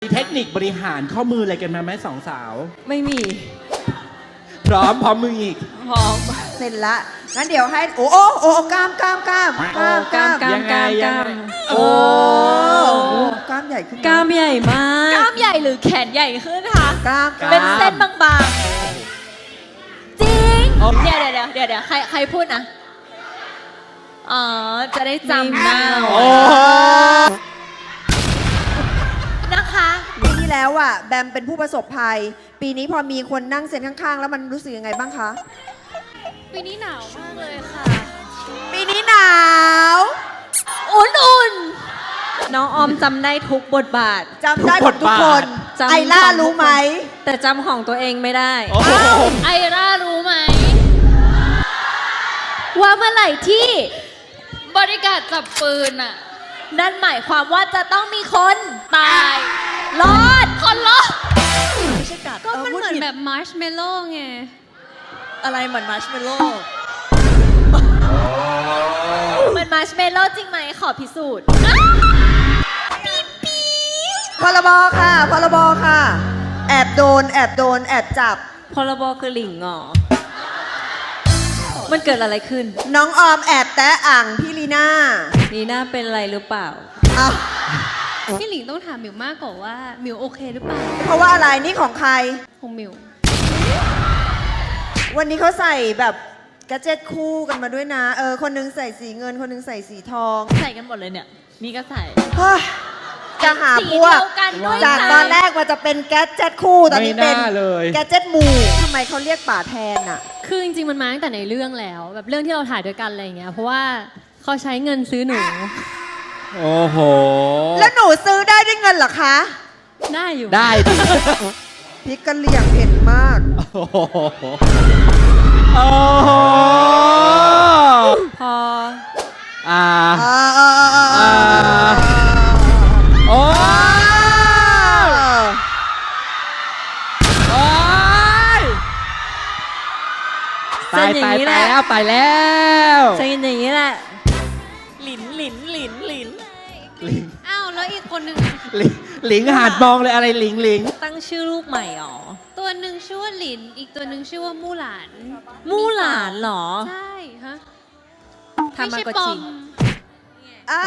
มีเทคนิคบริหารข้อมืออะไรกันมาไหมสองสาวไม่มีพร้อมมืออีกพร้อมเสร็จละงั้นเดี๋ยวให้โอ้กล้ามยังไงโอ้กล้ามใหญ่ขึ้นนะกล้ามใหญ่มากกล้ามใหญ่หรือแขนใหญ่ขึ้นคะกล้ามเป็นเส้นบางๆ จริง เดี๋ยวใครพูดนะ อ๋อ จะได้จำหน้าโอ้นะคะปีที่แล้วอ่ะแบมเป็นผู้ประสบภัย ปีนี้พอมีคนนั่งเซ็นข้างๆ แล้วมันรู้สึกยังไงบ้างคะปีนี้หนาวมากเลยค่ะปีนี้หนาวอุ่นน้องออมจำได้ทุกบทบาทจำได้หมดทุกคนจำไอล่ารู้ไหมแต่จำของตัวเองไม่ได้โอ้โหๆไอร่ารู้ไหม ว่าเมื่อไหร่ที่บริการจับปืนอ่ะ นั่นหมายความว่าจะต้องมีคนตาย รอด คนรอดไม่ใช่กัดก็มันเหมือนแบบมาร์ชเมลโล่ไงอะไรเหมือนมาร์ชเมลโล่เหมือนมาร์ชเมลโล่จริงไหมขอพิสูจน์พรบค่ะพรบค่ะ แอบโดนแอบจับพรบคือหลิงเหรอ มันเกิดอะไรขึ้นน้องออมแอบแตะอ่างพี่ลีน่านีน่าเป็นอะไรหรือเปล่าอ้าวพี่หลิงต้องถามหมิวมากกว่าว่าหมิวโอเคหรือเปล่าเพราะว่าอะไรนี่ของใครของหมิววันนี้เขาใส่แบบแกดเจ็ตคู่กันมาด้วยนะ คนหนึงใส่สีเงิน คนหนึงใส่สีทองใส่กันหมดเลยเนี่ย นี่ก็ใส่เฮ้ยจะหาพวกสีเดียวกันด้วยจากนะตอนแรกว่าจะเป็นแกดเจ็ตคู่ ตอนนี้เป็นไม่น่าเลยแกดเจ็ตหมู่ทำไมเขาเรียกป่าแทนอ่ะคือจริงๆ มันมาตั้งแต่ในเรื่องแล้ว แบบเรื่องที่เราถ่ายด้วยกันอะไรอย่างเงี้ย เพราะว่าเขาใช้เงินซื้อหนูโอ้โหแล้วหนูซื้อได้ด้วยเงินเหรอคะได้อยู่ได้ดิพริกกะเหรี่ยงเผ็ดมากโอ้โหโอ้โหพออ่าอ่าโอ้โอ้ยเส้นอย่างนี้แหละตายแล้วใช้กันอย่างนี้แหละหลินลิงอ้าว แล้วอีกคนหนึ่งหลิงหาดมองเลยอะไรหลิงตั้งชื่อลูกใหม่หรอตัวหนึ่งชื่อว่าหลิน อีกตัวหนึ่งชื่อว่ามู่หลานมู่หลานเหรอใช่ฮะทามาโกปอจิมอ่า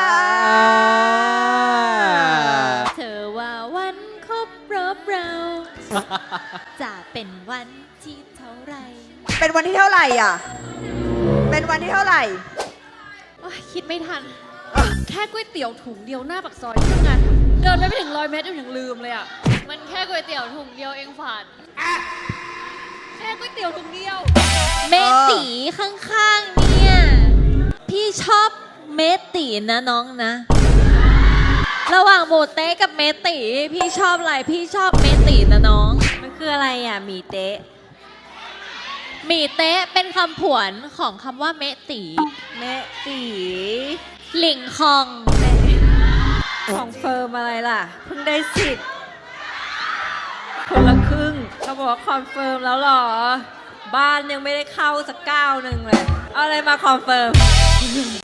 เธอว่าวันครบรอบเรา จะเป็นวันที่เท่าไหรเป็นวันที่เท่าไหร่อ่ะ เป็นวันที่เท่าไหร่โอ๊ยคิดไม่ทัน แค่ก๋วยเตี๋ยวถุงเดียวหน้าปากซอยที่ทำงานเดินไปไม่ถึง100 เมตรยังลืมเลยอ่ะ มันแค่ก๋วยเตี๋ยวถุงเดียวเองฝันแค่ก๋วยเตี๋ยวถุงเดียว เมตีข้างๆเนี่ย พี่ชอบเมตีนะน้องนะ ระหว่างโบเต้กับเมตีพี่ชอบอะไร พี่ชอบเมตีนะน้องมันคืออะไรอ่ะหมีเต๊ะหมี่เต๊ะเป็นคำผวนของคำว่าเมตีแม่ตีหลิงคองของเฟิร์มอะไรล่ะ เพิ่งได้สิทธิ์คนละครึ่งเขาบอกว่าคอนเฟิร์มแล้วเหรอ บ้านยังไม่ได้เข้าสักก้าวหนึ่งเลย เอาอะไรมาคอนเฟิร์ม